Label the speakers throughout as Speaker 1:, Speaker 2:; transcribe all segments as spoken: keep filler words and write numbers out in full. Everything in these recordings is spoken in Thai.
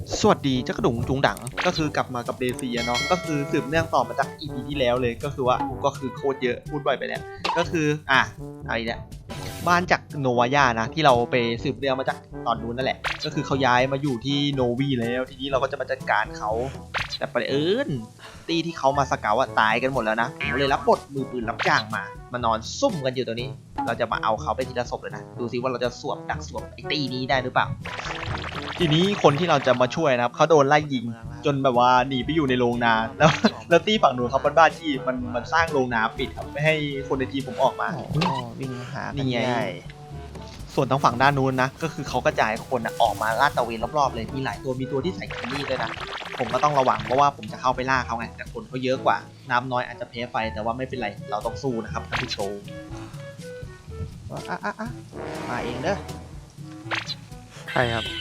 Speaker 1: สวัสดีเจ้ากระดุงจุงดังก็คือกลับมากับเดซีเนาะก็คือสืบเนื่องต่อมาจาก อี พี ที่แล้วเลยก็คือว่าก็คือโคตรเยอะพูดบ่อยไปเนี่ยก็คืออ่ะอะไรเนี่ยบ้านจากโนวายานะที่เราไปสืบเรื่องมาจากตอนนู้นนั่นแหละก็คือเขาย้ายมาอยู่ที่โนวีแล้วทีนี้เราก็จะมาจัดการเขาแต่ประเอิญตีที่เขามาสเกาอะตายกันหมดแล้วนะผมเลยรับบทมือปืนรับจ้างมามานอนซุ่มกันอยู่ตัวนี้เราจะมาเอาเขาไปทีละศพเลยนะดูซิว่าเราจะสวมดักสวมไอ้ตีนี้ได้หรือเปล่าทีนี้คนที่เราจะมาช่วยนะครับเขาโดนไล่ยิงจนแบบว่าหนีไปอยู่ในโรงนาแล้วแล้วตีฝั่งนู้นเขาเป็นบ้านที่มันมันสร้างโรงนาปิดครับไม่ให้คนในทีมผมออกมา
Speaker 2: วิ่งหา
Speaker 1: นี่ไงส่วนทางฝั่งด้านนู้นนะก็คือเขากระจายคนนะออกมาลาดตระเวนรอบๆเลยมีหลายตัวมีตัวที่ใส่คิมมี่ด้วยนะผมก็ต้องระวังเพราะว่าผมจะเข้าไปล่าเขาไงแต่คนเขาเยอะกว่าน้ำน้อยอาจจะแพ้ไฟแต่ว่าไม่เป็นไรเราต้องสู้นะครับท่านผู้ชม
Speaker 2: อ่ะอ่ะอ่ะมาเองเด้อ
Speaker 3: ใช่ครับ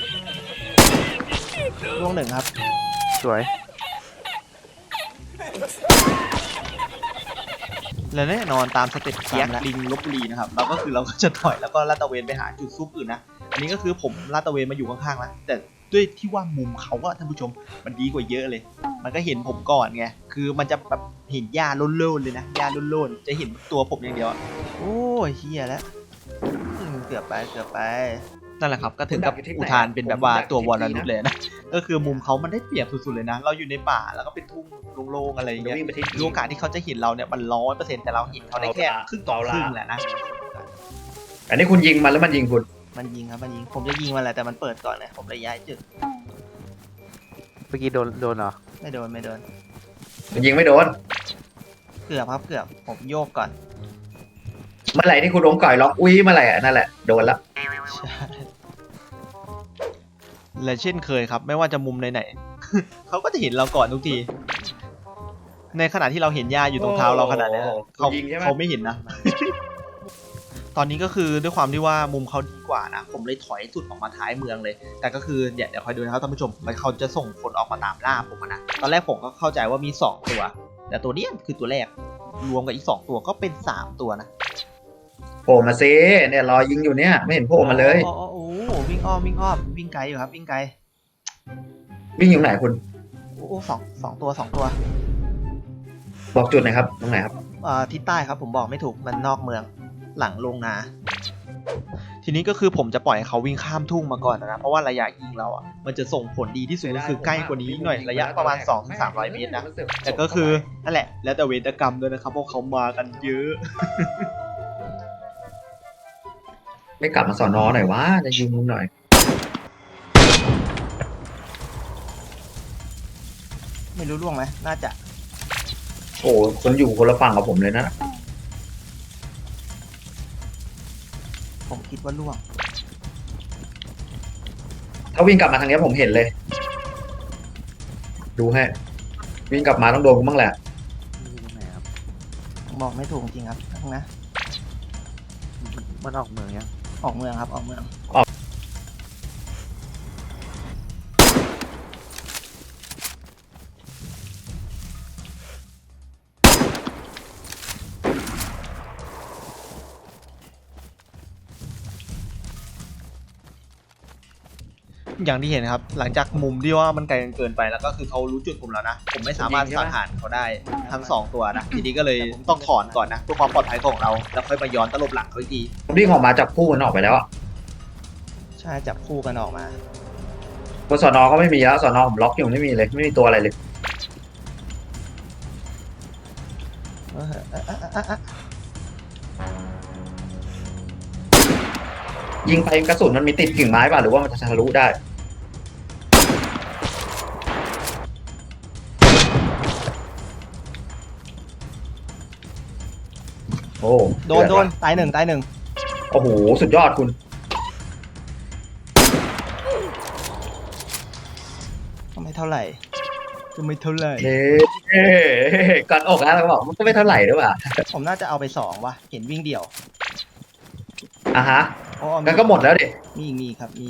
Speaker 2: ล่วงหนึ่งครับ
Speaker 3: สวย
Speaker 1: และแน่นอนตามสเต็ปเคียกลิงลบบุรีนะครับเราก็คือเราก็จะถอยแล้วก็ลาดตระเวนไปหาจุดซุปอื่นนะอันนี้ก็คือผมลาดตระเวนมาอยู่ข้างๆแล้วแต่ด้วยที่ว่ามุมเขาอะท่านผู้ชมมันดีกว่าเยอะเลยมันก็เห็นผมก่อนไงคือมันจะแบบเห็นหญ้าโล่นๆเลยนะหญ้าโล่นๆจะเห็นตัวผมอย่างเดียว
Speaker 2: โอ้ยเฮียแล้วเกือบไปเกือบไป
Speaker 1: นั่นแหละครับก็ถึงกับอุทานเป็นแบบว่าตัววอลลุ่เลยนะก็คือมุมเขามันได้เปรียบสุดๆเลยนะเราอยู่ในป่าแล้วก็เป็นทุ่งโล่งๆอะไรอย่างเงี้ยโอกาสที่เขาจะเห็นเราเนี่ยมันร้อยเปอร์เซ็นต์แต่เราเห็นเขาได้แค่ครึ่งต่อครึ่งแหละนะ
Speaker 4: อันนี้คุณยิงมันแล้วมันยิงคุณ
Speaker 2: มันยิงครับมันยิงผมจะยิงมันแหละแต่มันเปิดก่อนเลยผมเลยย้ายจุด
Speaker 3: เมื่อกี้โดนโดนเหรอ
Speaker 2: ไม่โดนไม่โดน
Speaker 4: มันยิงไม่โดน
Speaker 2: เกือบครับเกือบผมโยกก่อน
Speaker 4: เมื่อไหร่ที่คุณล้มก่อยล็อกอุ้ยเมื่อไหร่นั่นแหละโดนละ
Speaker 1: และเช่นเคยครับไม่ว่าจะมุมไหนๆเขาก็จะเห็นเราก่อนทุกทีในขณะที่เราเห็นหญ้าอยู่ตรงเท้าเราขนาดนี้เขาเขาไม่เห็นนะตอนนี้ก็คือด้วยความที่ว่ามุมเขาดีกว่านะผมเลยถอยสุดออกมาท้ายเมืองเลยแต่ก็คือเดี๋ยวเดี๋ยวคอยดูนะครับท่านผู้ชมมันเขาจะส่งคนออกมาตามล่าผมนะตอนแรกผมก็เข้าใจว่ามีสองตัวแต่ตัวนี้คือตัวแรกรวมกับอีกสองตัวก็เป็นสามตัวนะ
Speaker 4: โผล่มาซิเนี่ยรอยิงอยู่เนี่ยไม่เห็นโผล่มาเลย
Speaker 2: โอ้โหวิ่งอ้อมวิ่งอ้อมวิ่งไกลอยู่ครับวิ่งไกล
Speaker 4: วิ่งอยู่ไหนคุณ
Speaker 2: โอ้สองสองตัวสองตัว
Speaker 4: บอกจุดหน่อยครับตรงไหนครับ
Speaker 2: อ่าทิศใต้ครับผมบอกไม่ถูกมันนอกเมืองหลังโรงนา
Speaker 1: ทีนี้ก็คือผมจะปล่อยให้เขาวิ่งข้ามทุ่งมาก่อนนะเพราะว่าระยะยิงเราอ่ะมันจะส่งผลดีที่สุดก็คือใกล้กว่านี้หน่อยระยะประมาณ สองถึงสามร้อย เมตรนะแต่ก็คือนั่นแหละแล้วแต่เวรกรรมด้วยนะครับเพราะเขามากันเยอะ
Speaker 4: ไม่กลับมาสอนอหน่อยว่าจะยิงมุมหน่อย
Speaker 2: ไม่รู้ล่วงไหมน่าจะ
Speaker 4: โอ้คนอยู่คนละฝั่งกับผมเลยนะ
Speaker 2: ผมคิดว่าล่วง
Speaker 4: ถ้าวิ่งกลับมาทางนี้ผมเห็นเลยดูให้วิ่งกลับมาต้องโดนกูบ้างแหละ
Speaker 2: บอกไม่ถูกจริงครับทั้งนะ
Speaker 3: มันออกเมืองยัง
Speaker 2: ออกเมืองครับออกเมือง
Speaker 1: อย่างที่เห็นครับหลังจากมุมที่ว่ามันไกลเกินไปแล้วก็คือเขารู้จุดผมแล้วนะผมไม่สามารถสังหารเขาได้ทั้งสองตัวนะทีนี้ก็เลยต้องถอนก่อนนะเพื่อความปลอดภัยของเราแล้วค่อยมาย้อนตลบหลังเขาอีกที
Speaker 4: วิ่งออกมาจับคู่กันออกไปแล้วอ่ะ
Speaker 2: ใช่จับคู่กันออกมา
Speaker 4: บนสอนอก็ไม่มีแล้วสอนอผมล็อกอยู่ไม่มีเลยไม่มีตัวอะไรเลยยิงไปกระสุนมันมีติดกิ่งไม้ป่ะหรือว่ามันจะทะลุได้โอ้
Speaker 2: โดนโดนตายหนึ่งตายหนึ่ง
Speaker 4: โอ้โหสุดยอดคุณ
Speaker 2: ก็ไม่เท่าไหร่ก็ไม่เท่าไหร่
Speaker 4: เฮ้ก่อนออกแล้วเราบอกมันก็ไม่เท่าไหร่ด้วยป่ะ
Speaker 2: ผมน่าจะเอาไปสองว่ะเห็นวิ่งเดี่ยว
Speaker 4: อ่ะฮะกันก็หมดแล้วดิ
Speaker 2: มีมีครับมี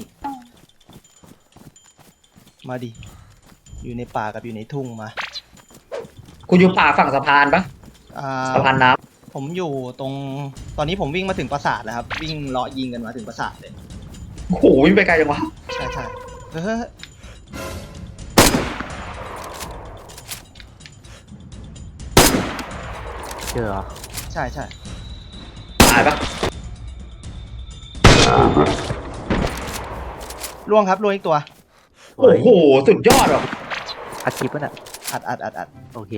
Speaker 2: มาดิอยู่ในป่ากับอยู่ในทุ่งมา
Speaker 4: คุณอยู่ป่าฝั่งสะพานปะสะพานน้
Speaker 2: ำผมอยู่ตรงตอนนี้ผมวิ่งมาถึงปราสาทแล้วครับวิ่งเลาะยิงกันมาถึงปราสาทเลย
Speaker 4: โอ้โหวิ่งไปไกลจังวะ
Speaker 2: ใช่ใช่เฮ้ย
Speaker 3: เจอเหรอ
Speaker 2: ใช่ใช่
Speaker 4: ตายปะ
Speaker 2: ล่วงครับล่วงอีกตัว
Speaker 3: สวย
Speaker 4: โอ้โหสุดยอดว่ะ
Speaker 3: อัดคลิปป่ะน่ะ
Speaker 2: อัดอัดอัดอัด
Speaker 3: โอเค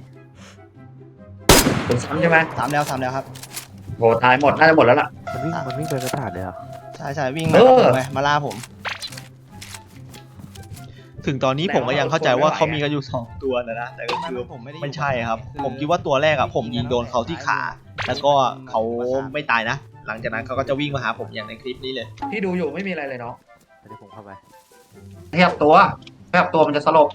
Speaker 4: คุณซ้ำใช่ไหม
Speaker 2: สามแล้วสามแล้วครับ
Speaker 4: โหตายหมดน่าจะหมดแล้วล่ะ
Speaker 3: มันวิ่งมันวิ่งไปประสาทเลยเหรอ
Speaker 2: ใช่ใช่วิ่ง
Speaker 4: เอ
Speaker 2: มากับ
Speaker 4: อ
Speaker 2: ผมไงมาล่าผม
Speaker 1: ถึงตอนนี้ผมก็ยังเข้าใจว่าเขามีกันอยู่สองตัวนะนะแต่ก็คือ
Speaker 2: ผมไม่ได้
Speaker 1: ไม่ใช่ครับ ผมคิดว่าตัวแรกอะผมยิงโดนเขาที่ขา แล้วก็เขาไม่ตายนะ หลังจากนั้นเขาก็จะวิ่งมาหาผมอย่างในคลิปนี้เลย
Speaker 4: ที่ดูอยู่ไม่มีอะไรเลยเนาะ
Speaker 3: เดี๋ยวผมเข้าไป
Speaker 4: ขยับตัวขยับตัวมันจะสลบ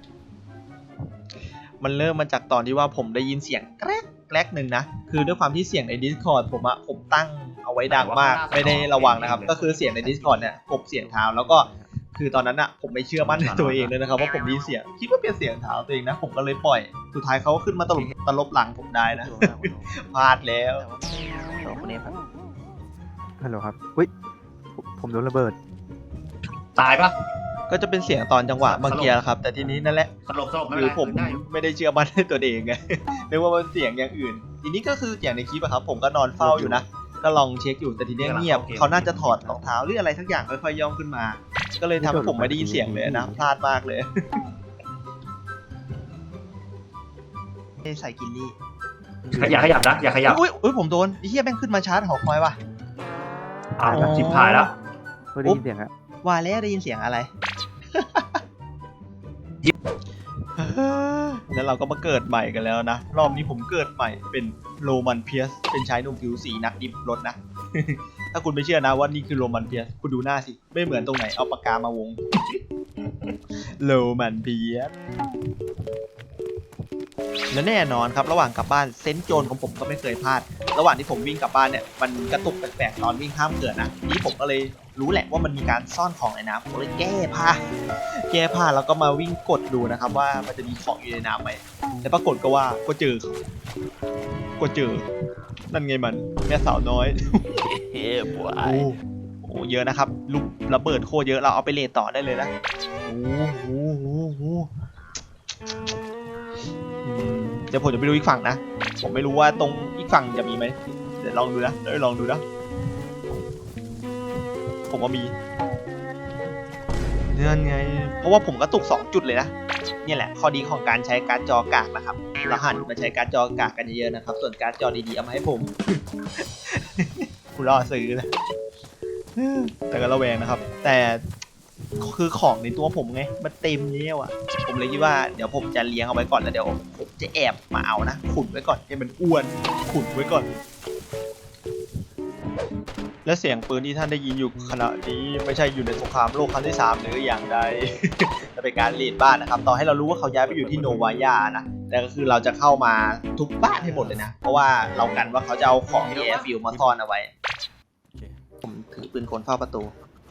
Speaker 1: มันเริ่มมาจากตอนที่ว่าผมได้ยินเสียงแกรกแกรกหนึ่งนะ คือด้วยความที่เสียงใน Discord ผมอะผมตั้งเอาไว้ดังมาก ไม่ได้ระวังนะครับ ก็คือเสียงใน Discord เนี่ยผมเสียงเท้าแล้วก็คือตอนนั้นอะผมไม่เชื่อมั่นในตัวเองเลยนะครับว่าผมได้ยินเสียงคิดว่าเป็นเสียงเท้าตัวเองนะ ผมก็เลยปล่อย สุดท้ายเขาก็ขึ้นมาตลบตลบหลังผมได้นะ พลาดแล้ว
Speaker 2: สองคนนี้ครับ
Speaker 3: ฮัลโหลครับอุ้ยผมผมโดนระเบิด
Speaker 4: ตายปะ
Speaker 1: ก็จะเป็นเสียงตอนจังหวะเมื่อกี้แหละครับ แต่ทีนี้นั่นแหละ
Speaker 4: สลบสลบไม่
Speaker 1: คื
Speaker 4: เป็น
Speaker 1: อ
Speaker 4: ไร
Speaker 1: ผม
Speaker 4: ได้อยู่
Speaker 1: ไม่ได้เชื่อมั่นในตัวเองไง นึกว่ามันเสียงอย่างอื่น ทีนี้ก็คืออย่างในคลิปอะครับ ผมก็นอนเฝ้าอยู่นะ ก็ลองเช็คอยู่แต่ทีนี้เงียบเขาน่าจะถอดรองเท้าหรืออะไรสักอย่างค่อยๆย่องขึ้นมา ก็เลยทำให้ผมไม่ได้ยินเสียงเลยนะพลาดมากเลย
Speaker 2: ใส่กินนี่
Speaker 4: อย่าขยับนะอย่าขยับ
Speaker 1: อุ้ยอุ้ยผมโดนไอ้เหี้ยแม่งขึ้นมาชาร์จหอคอยว่ะ
Speaker 4: อ่าจิบหายแล้ว
Speaker 3: ไม่ได้ยินเสียงอะ
Speaker 2: ว่าแล้วได้ยินเสียงอะไร
Speaker 1: แล้วเราก็มาเกิดใหม่กันแล้วนะ รอบนี้ผมเกิดใหม่เป็นโรมันเพียส เป็นชายหนุ่มผิวสีนักดิบรถนะ ถ้าคุณไม่เชื่อนะว่านี่คือโรมันเพียส คุณดูหน้าสิ ไม่เหมือนตรงไหน เอาปากกามาวง โรมันเพียส และแน่นอนครับระหว่างกลับบ้านเซนส์โจรของผมก็ไม่เคยพลาด ระหว่างที่ผมวิ่งกลับบ้านเนี่ยมันกระตุกแปลกๆตอนวิ่งข้ามเขื่อนนะทีนี้ผมก็เลยรู้แหละว่ามันมีการซ่อนของในน้ำผมเลยแก้ผ้าแก้ผ้าแล้วก็มาวิ่งกดดูนะครับว่ามันจะมีของอยู่ในน้ำไหมแต่ปรากฏก็ว่าก็เจอก็เจอนั่นไงมันแม่สาวน้อย
Speaker 3: เฮ้ยบว
Speaker 1: โอ้โหเยอะนะครับลูกระเบิดโคตรเยอะเราเอาไปเลทต่อได้เลยนะโอ้โหโอ้โหอืมเดี๋ยวผมจะไปดูอีกฝั่งนะ ผมไม่รู้ว่าตรงอีกฝั่งจะมีไหมเดี๋ยวลองดูนะเดี๋ยวลองดูนะ ผมว่ามีเนี่ยไง เพราะว่าผมก็ตกสองจุดเลยนะ เนี่ยแหละข้อดีของการใช้การ์ดจอกากนะครับเราหันมาใช้การ์ดจอกากกันเยอะๆนะครับ ส่วนการ์ดจอดีๆเอามาให้ผม กูรอซื้อนะ แต่ก็ระแวงนะครับ แต่คือของในตัวผมไงมันเต็มแล้วอ่ะ ผมเลยคิดว่าเดี๋ยวผมจะเลี้ยงเอาไว้ก่อนแล้วเดี๋ยวผมจะแอบมาเอานะขุนไว้ก่อนให้มันอ้วนขุนไว้ก่อน และเสียงปืนที่ท่านได้ยินอยู่ขณะนี้ไม่ใช่อยู่ในสงครามโลกครั้งที่สามหรืออย่างใด จะเป็นการรีดบ้านนะครับต่อให้เรารู้ว่าเขาย้ายไปอยู่ที่โนวายานะแต่ก็คือเราจะเข้ามาทุบบ้านให้หมดเลยนะเพราะว่าเรากันว่าเขาจะเอาของที่แอร์ฟิลมาซ่อนเอาไว้ผมถือปืนคนเฝ้าประตู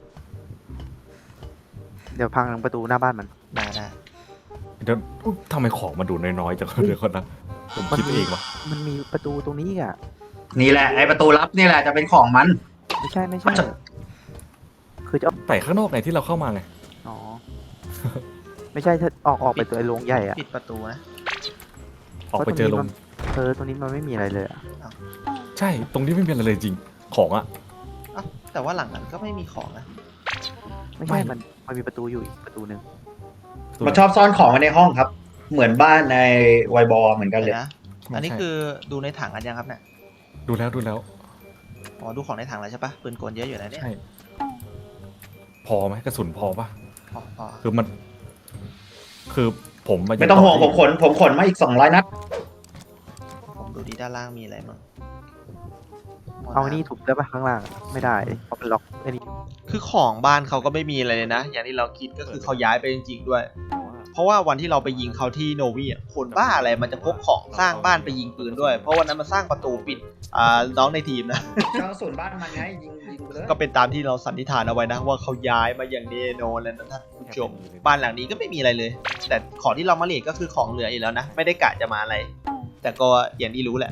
Speaker 3: เดี๋ยวพังประตูหน้าบ้านมัน
Speaker 1: ได้ได้
Speaker 5: เดี๋ยวอุ๊ยทำไมของมาดูน้อยๆจังเดี๋ยวก่อนนะผมคิดเองวะ
Speaker 3: มันมีประตูตรงนี้อ่ะ
Speaker 4: นี่แหละไอประตูลับนี่แหละจะเป็นของมัน
Speaker 3: ไม่ใช่ไม่ใช่ คือจะเอา
Speaker 5: แต่ข้างนอกไงที่เราเข้ามาไง
Speaker 3: อ๋อ ไม่ใช่ถ้าออกออกไปตัวไอ้โรงใหญ่อ่ะ
Speaker 1: ปิดประตูนะ
Speaker 5: ออกไปเจอลง
Speaker 3: เออตรงนี้มันไม่มีอะไรเลยอ่ะ
Speaker 5: ใช่ตรงนี้ไม่มีอะไรเลยจริงของอะ
Speaker 1: อ้าวแต่ว่าหลังนั้นก็ไม่มีของนะ
Speaker 3: ไม่ใช่มันมันมีประตูอยู่อีกประตูหนึ่ง
Speaker 4: มันชอบซ่อนของไว้ในห้องครับ เหมือนบ้านในไวบอลเหมือนกันเลย
Speaker 1: เดี๋ยวนะอันนี้คือดูในถังกันยังครับเนี่ย
Speaker 5: ดูแล้วดูแล้ว
Speaker 1: อ๋อดูของในถังแล้วใช่ปะปืนกลเยอะอยู่นะเนี่ย
Speaker 5: ใช่พอไหมกระสุนพอปะ
Speaker 1: พอพอ
Speaker 5: คือมัน คือผมายู่
Speaker 4: ไม่ต้องห่วง
Speaker 5: ที่
Speaker 4: ผมขนผมขนมาอีกสองร้อยนัด
Speaker 1: ผมดูดีด้านล่างมีอะไรมั้ง
Speaker 3: เอานี่ถูกได้ปะข้างล่างอะไม่ได้เพราะเป็นล็อกไอ้นี่
Speaker 1: คือของบ้านเขาก็ไม่มีอะไรเลยนะ อย่างที่เราคิดก็คือเขาย้ายไปจริงๆด้วย เพราะว่าวันที่เราไปยิงเขาที่โนวีอ่ะคนบ้าอะไรมันจะพกของสร้างบ้านไปยิงปืนด้วย เพราะวันนั้นมันสร้างประตูปิดอ่าน้องในทีมนะ
Speaker 4: เจ้าส่วนบ้านมันไงยิงยิงไปเลย
Speaker 1: ก็เป็นตามที่เราสันนิษฐานเอาไว้นะว่าเขาย้ายมาอย่างแน่นอนแล้วนะท่านผู้ชมบ้านหลังนี้ก็ไม่มีอะไรเลย แต่ของที่เรามาเลทก็คือของเหลืออยู่แล้วนะ ไม่ได้กะจะมาอะไร แต่ก็อย่างที่รู้แหละ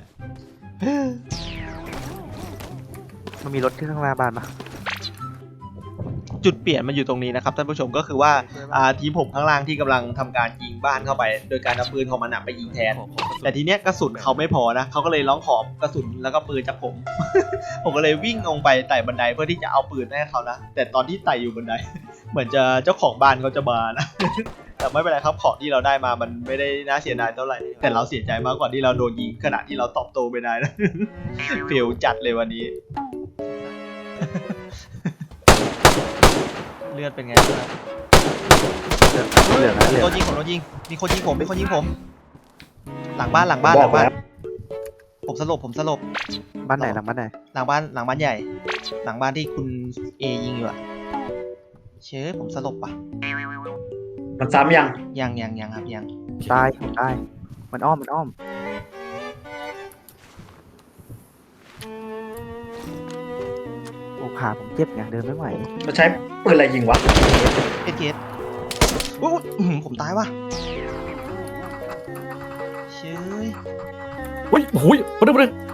Speaker 3: มันมีรถที่ข้างหน้าบ้านปะ
Speaker 1: จุดเปลี่ยนมันอยู่ตรงนี้นะครับท่านผู้ชมก็คือว่าอ่าทีมผมข้างล่างที่กำลังทำการยิงบ้านเข้าไป โดยการเอาปืนของมันอะไปยิงแทน แต่ทีเนี้ยกระสุนเขาไม่พอนะเขาก็เลยร้องขอกระสุนแล้วก็ปืนจากผม ผมก็เลยวิ่งลงไปไต่บันไดเพื่อที่จะเอาปืนให้เขานะแต่ตอนที่ไต่อยู่บันได เหมือนจะเจ้าของบ้านเขาจะมานะ แต่ไม่เป็นไรครับของที่เราได้มามันไม่ได้น่าเสียดายเท่าไหร่แต่เราเสียใจมากกว่าที่เราโดนยิงขณะที่เราตอบโต้ไม่ได้นะ เฟลจัดเลยวันนี้ เลือดเป็นไงบ้าง
Speaker 3: เหลืองนะเหลือง
Speaker 1: โดนยิงผมโดนยิงมีคนยิงผมมีคนยิงผม หลังบ้านหลังบ้านหลังบ้าน ผมสลบผมสลบ
Speaker 3: บ้านไหนหลังบ้านไหน
Speaker 1: หลังบ้านหลังบ้านใหญ่ หลังบ้านที่คุณเอยิงอยู่อะเชื่อผมสลบปะ
Speaker 4: มันซ้ำยัง
Speaker 1: ยังยังยังครับยัง
Speaker 3: ตายผมตายมันอ้อมมันอ้อมโอ้ขาผมเจ็บไงเดินไม่ไหว
Speaker 4: มันใช้ปืนอะไรยิงวะ
Speaker 1: เอสเกตอุ๊ยอุ๊ยอื้อหือผมตายว่ะเชื่อ
Speaker 5: เฮ้ยโอ้ยมาดูมาดู